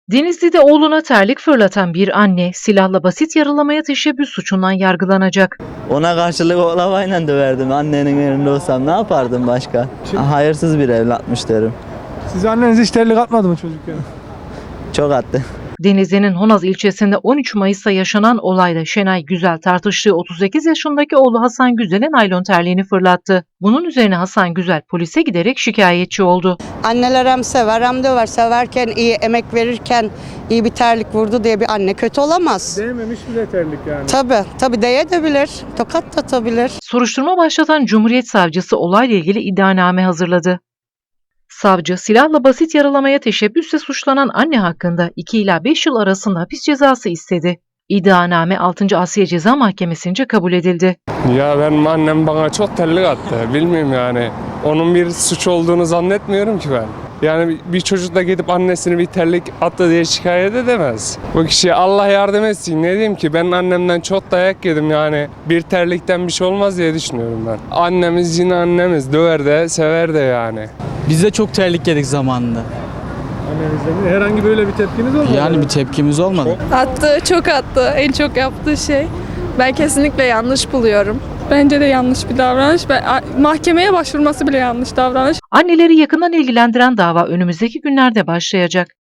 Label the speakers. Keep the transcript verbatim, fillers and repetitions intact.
Speaker 1: Denizli'de oğluna terlik fırlatan bir anne silahla basit yaralamaya teşebbüs suçundan yargılanacak.
Speaker 2: Ona karşılık oklavayla döverdim. Annenin yerinde olsam ne yapardım başka? Hayırsız bir evlatmış derim.
Speaker 3: Siz anneniz hiç terlik atmadı mı çocukken?
Speaker 2: Çok attı.
Speaker 1: Denizli'nin Honaz ilçesinde on üç Mayıs'ta yaşanan olayda Şenay Güzel tartıştığı otuz sekiz yaşındaki oğlu Hasan Güzel'e naylon terliğini fırlattı. Bunun üzerine Hasan Güzel polise giderek şikayetçi oldu.
Speaker 4: Anneler hem sever hem döver. Severken iyi, emek verirken iyi bir terlik vurdu diye bir anne kötü olamaz.
Speaker 3: Değmemiş bile terlik yani.
Speaker 4: Tabii, tabii değebilir. Tokat da atabilir.
Speaker 1: Soruşturma başlatan Cumhuriyet Savcısı olayla ilgili iddianame hazırladı. Savcı, silahla basit yaralamaya teşebbüsle suçlanan anne hakkında iki ila beş yıl arasında hapis cezası istedi. İddianame altıncı Asliye Ceza Mahkemesi'nce kabul edildi.
Speaker 5: Ya benim annem bana çok terlik attı. Bilmiyorum yani. Onun bir suç olduğunu zannetmiyorum ki ben. Yani bir çocuk da gidip annesini bir terlik attı diye şikayet edemez. Bu kişiye Allah yardım etsin. Ne diyeyim ki, ben annemden çok dayak yedim yani. Bir terlikten bir şey olmaz diye düşünüyorum ben. Annemiz yine annemiz. Döver de sever de yani.
Speaker 6: Biz de çok terlik yedik zamanında.
Speaker 3: Annenizden herhangi böyle bir tepkiniz olmadı mı?
Speaker 6: Yani bir tepkimiz olmadı.
Speaker 7: Attı, çok attı. En çok yaptığı şey. Ben kesinlikle yanlış buluyorum. Bence de yanlış bir davranış. Ben, mahkemeye başvurması bile yanlış davranış.
Speaker 1: Anneleri yakından ilgilendiren dava önümüzdeki günlerde başlayacak.